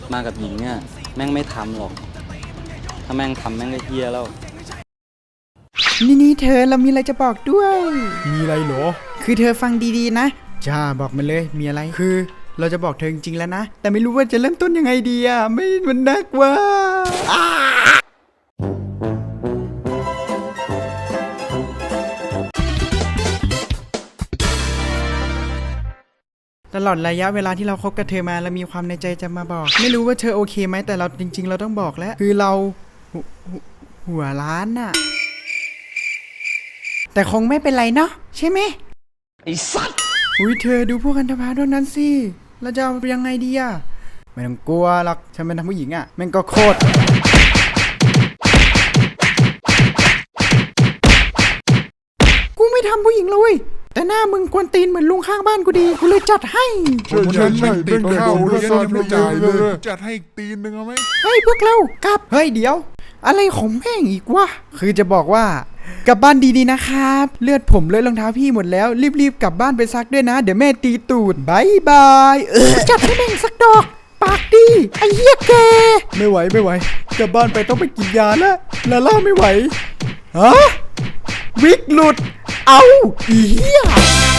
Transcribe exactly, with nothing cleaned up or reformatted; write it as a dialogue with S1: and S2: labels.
S1: มากับหญิงเนี่ยแม่งไม่ทำหรอกถ้าแม่งทำแม่งก็เฮี้ยแล้ว
S2: นี่นี่เธอเรามีอะไรจะบอกด้วย
S3: มีอะไรเหรอ
S2: คือเธอฟังดีๆนะจ้าบอกมาเลยมีอะไรคือเราจะบอกเธอจริงๆแล้วนะแต่ไม่รู้ว่าจะเริ่มต้นยังไงดีอ่ะไม่มันนักว่าตลอดระยะเวลาที่เราคบกับเธอมาเรามีความในใจจะมาบอกไม่รู้ว่าเธอโอเคไหมแต่เราจริงๆเราต้องบอกแล้วคือเราหัวล้านน่ะแต่คงไม่เป็นไรเนาะใช่ไหม
S1: ไอ้สัตว์
S2: อุ้ยเธอดูพวกกันทภาด้วยนั้นสิเราจะเอายังไงดีอะไม่ต้องกลัวหรอกฉันเป็นทางผู้หญิงอะแม่งก็โคตรกูไม่ทำผู้หญิงเลยแต่หน้ามึงกวนตีนเหมือนลุงข้างบ้านกูดีกูเลยจัดให้
S3: ใช่ใช่ใช่ติดเข้าแล้วก็ยังไม่จ่ายเลยจัดให้ตีนหนึ่งเอาไหม
S2: เฮ้ยพวกเรากลับเฮ้ยเดี๋ยวอะไรของแม่งอีกวะคือจะบอกว่ากลับบ้านดีๆนะครับเลือดผมเลอะรองเท้าพี่หมดแล้วรีบๆกลับบ้านไปซักด้วยนะเดี๋ยวแม่ตีตูดบายบายเออจัดให้แม่งสักดอกปากดีไอ้เหี้ยแกไม่ไหวไม่ไหวกลับบ้านไปต้องไปกินยาแล้วลาล่าไม่ไหวฮะวิกหลุดเอาอีเหี้ย